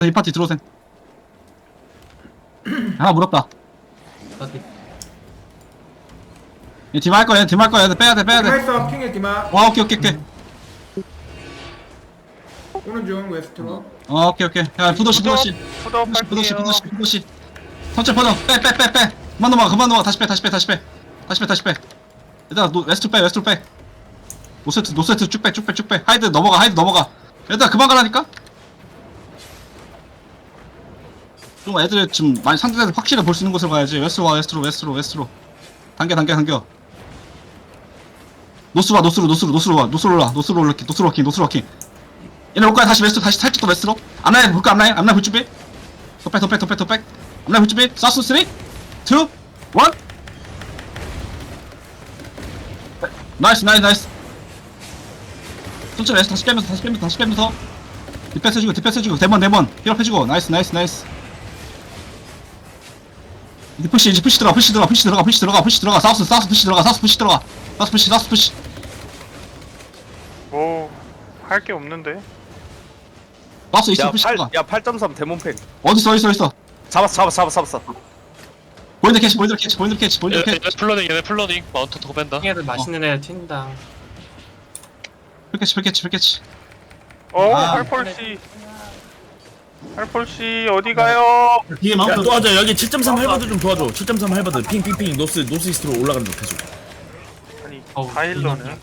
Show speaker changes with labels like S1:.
S1: 이 파티 들어오셈. 하나 물었다. 얘 디마 할 거야, 디마 할 거야. 빼야 돼, 빼야 돼.
S2: 디마 있어. 킹의 디마.
S1: 오케이, 오케이, 오케이.
S2: 오른쪽 웨스트로.
S1: 오케이, 오케이. 야, 부도시, 부도시.
S3: 푸더
S1: 부도시,
S3: 할게요.
S1: 부도시, 부도시. 천천히 퍼져. 빼, 빼, 빼, 빼. 그만 넘어가, 그만 넘어가. 다시 빼, 다시 빼, 다시 빼. 다시 빼, 다시 빼. 얘들아, 웨스트로 빼, 웨스트로 빼. 노세트, 노세트 쭉 빼, 쭉 빼, 쭉 빼. 하이드 넘어가, 하이드 넘어가. 얘들아, 그만 가라니까? 좀 애들 지금 많이 상대들 확실히 볼 수 있는 곳으로 가야지. 웨스트로 와, 웨스트로, 웨스트로, 웨스트로. 당겨, 당겨, 당겨. 노스로 와, 노스로, 노스로, 노스로 와, 노스로 올라, 노스로 올라키, 노스로 워킹, 노스로 워킹. 얘네 올까요? 다시 웨스트로, 다시 살짝 더 웨스트로. 앞라인 볼까, 앞라인? 앞라인 볼 준비? 더 백, 더 백, 더 백, 더 백. 앞라인 볼 준비? 사우스 3, 2, 1. 나이스, 나이스, 나이스. 천천히 웨스트 다시 빼면서, 다시 빼면서, 다시 빼면서. 디펜스 해주고, 디펜스 해주고, 대번, 힐업 해주고. 나이스, 나이스, 나이스. 이제 푸시, 이제 푸시 들어가, 푸시 들어가, 푸시 들어가, 푸시 들어가, 푸시 들어가. 사우스, 사우스 푸시 들어가, 사우스 푸시 들어가. 사우스 푸시, 사우스 푸시.
S3: 할 게 없는데.
S1: 사우스 이스트 푸시 들어가.
S4: 야 8.3 데몬팩
S1: 어딨어, 어딨어, 어딨어.
S4: 잡았어
S1: 보인드 캐치, 보인드 캐치, 보인드 캐치, 보인드
S5: 얘네
S1: 캐치.
S5: 플러닝 얘네 플러닝 마운트 더 뺀다.
S6: 애들 맛있는 애 튄다.
S1: 풀캐치, 풀캐치, 풀캐치.
S3: 할폴씨. 할폴씨 어디 가요?
S7: 뒤에 마운트 도와줘. 여기 7.3 할바드 좀 도와줘. 7.3 할바드 핑핑핑 노스 이스트로 올라가는 쪽 계속.
S3: 아니
S6: 어우,
S3: 다일러는